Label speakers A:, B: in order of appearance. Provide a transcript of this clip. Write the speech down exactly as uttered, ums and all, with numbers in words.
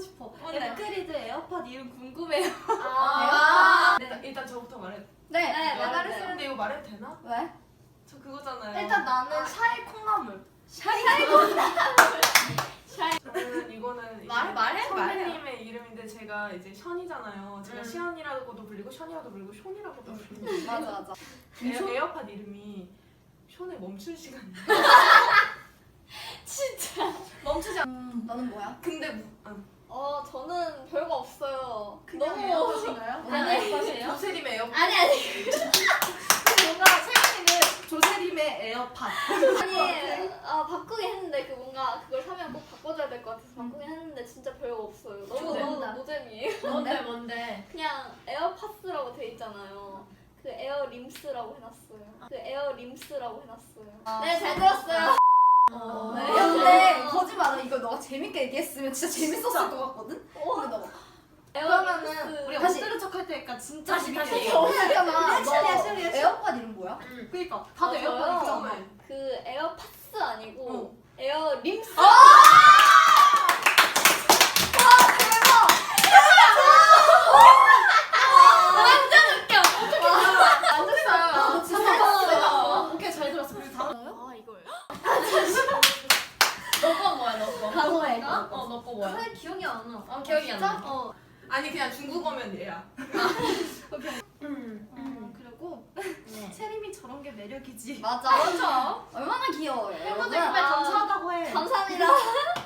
A: 싶어.
B: 뭔데?
A: 에크리드 에어팟 이름 궁금해요.
B: 아,
C: 일단, 일단 저부터 말해.
B: 네,
A: 네,
B: 말을
A: 말해도
B: 쓰는.
C: 근데 이거 말해도 되나?
B: 왜?
C: 저 그거잖아요.
A: 일단 나는 샤이 콩나물.
C: 저는 이거는 이제
A: 말해, 말해,
C: 선배님의 이름인데 제가 이제 션이잖아요. 제가
A: 음.
C: 시연이라고도 불리고 션이라도 불리고 션이라고도 불리고
B: 맞아, 맞아.
C: 에어, 에어팟 이름이 션의 멈춘 시간.
A: 멈추지 않.
B: 음, 너는 뭐야?
C: 근데 무- 아,
D: 어 저는 별거 없어요.
A: 그냥
D: 너무
A: 에어팟인가요?
B: 그냥 에어팟이에요?
C: 조세림의 에어팟.
D: 아니 아니
A: 뭔가 세빈이는 조세림의 에어팟.
D: 아니 아 바꾸긴 했는데 그 뭔가 그걸 사면 꼭 바꿔줘야 될 것 같아서 바꾸긴 했는데 진짜 별거 없어요. 너무
A: 저거
D: 너무
A: 뭔데?
D: 노잼이에요.
A: 뭔데 뭔데?
D: 그냥 에어팟스라고 돼 있잖아요. 그 에어림스라고 해놨어요. 그 에어림스라고 해놨어요. 네 잘 들었어요.
A: 어.
B: 네. 근데 거짓말 안 해. 이거 너가 재밌게 얘기했으면 진짜 재밌었을 것 같거든? 근데 너가
A: 그러면은 우리
B: 다시.
A: 엎드려 척할 테니까 진짜
B: 다시,
A: 재밌게
B: 다시.
A: 얘기해.
B: 했잖아.
A: 리액션, 리액션, 리액션.
B: 에어팟 이름 뭐야?
A: 그니까 다들
D: 아,
A: 에어팟
D: 저요?
A: 있잖아.
D: 그 에어팟스 아니고
A: 어.
D: 에어림스.
A: 아,
B: 너 진짜
A: 어, 오케이 잘 들었어. 그리고 다음
D: 아 이걸.
A: 너거 뭐야 너 거?
B: 단어에
A: 어, 너 거 뭐야?
D: 사실 기억이 안 나.
A: 어, 기억이 안 나.
D: 어.
C: 아니 그냥 중국어면 얘야.
A: 음, 음. 그리고 세림이 저런 게 매력이지.
B: 맞아.
A: 그렇죠.
B: 얼마나 귀여워요.
A: 팬분들
B: 여러분.
A: 정말 감사하다고 해.
D: 감사합니다.